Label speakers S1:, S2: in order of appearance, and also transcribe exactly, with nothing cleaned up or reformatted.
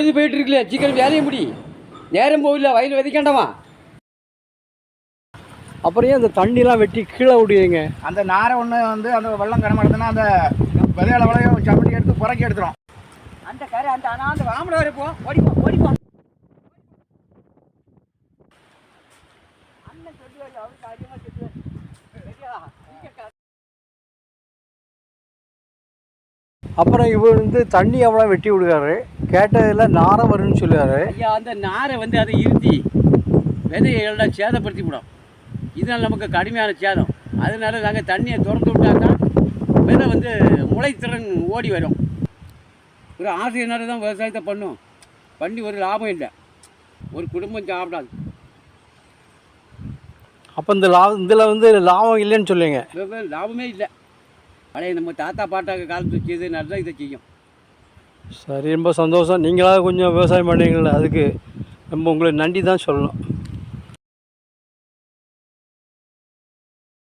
S1: போயிட்டு இருக்குல்ல, சீக்கிரம் வேலையை முடி. நேரம் போகல, வயல் விதைக்காண்டமா.
S2: அப்புறம் ஏன் அந்த தண்ணிலாம் வெட்டி கீழே விடுவீங்க?
S3: அந்த நாரை ஒன்று வந்து அந்த வெள்ளம் கடமாடுதுன்னா அந்த விதையால விளையும் சப்படி எடுத்து புறக்கி எடுத்துரும்.
S1: அந்த கரை அந்த ஆனால் அந்த வாமலை வரைப்போம், ஓடிப்போம் ஓடிப்போம். அண்ணன் சொல்லுவாரு, அவருக்கு அதிகமாக சொல்லுவார்.
S2: அப்புறம் இவர் வந்து தண்ணி அவ்வளோ வெட்டி விடுவாரு, கேட்டதில் நாரை வரும்னு சொல்லுவார்.
S1: ஐயா, அந்த நாரை வந்து அதை இருத்தி விதையெல்லாம் சேதப்படுத்தி விடும். இதனால் நமக்கு கடுமையான சேதம். அதனால நாங்கள் தண்ணியை திறந்து விட்டாக்கா விதை வந்து முளைத்திறன் ஓடி வரும். ஒரு ஆசையினால தான் விவசாயத்தை பண்ணும், பண்ணி ஒரு லாபம் இல்லை, ஒரு குடும்பம் சாப்பிடாது.
S2: அப்போ இந்த லாபம் இதில் வந்து லாபம் இல்லைன்னு சொல்லுவீங்க?
S1: லாபமே இல்லை. பழைய நம்ம தாத்தா பாட்டாக்க காலத்து செய்து நல்லா இதை செய்யும்.
S2: சரி, ரொம்ப சந்தோஷம். நீங்களாக கொஞ்சம் விவசாயம் பண்ணுவீங்கள, அதுக்கு நம்ம உங்களுக்கு நன்றி தான் சொல்லணும்.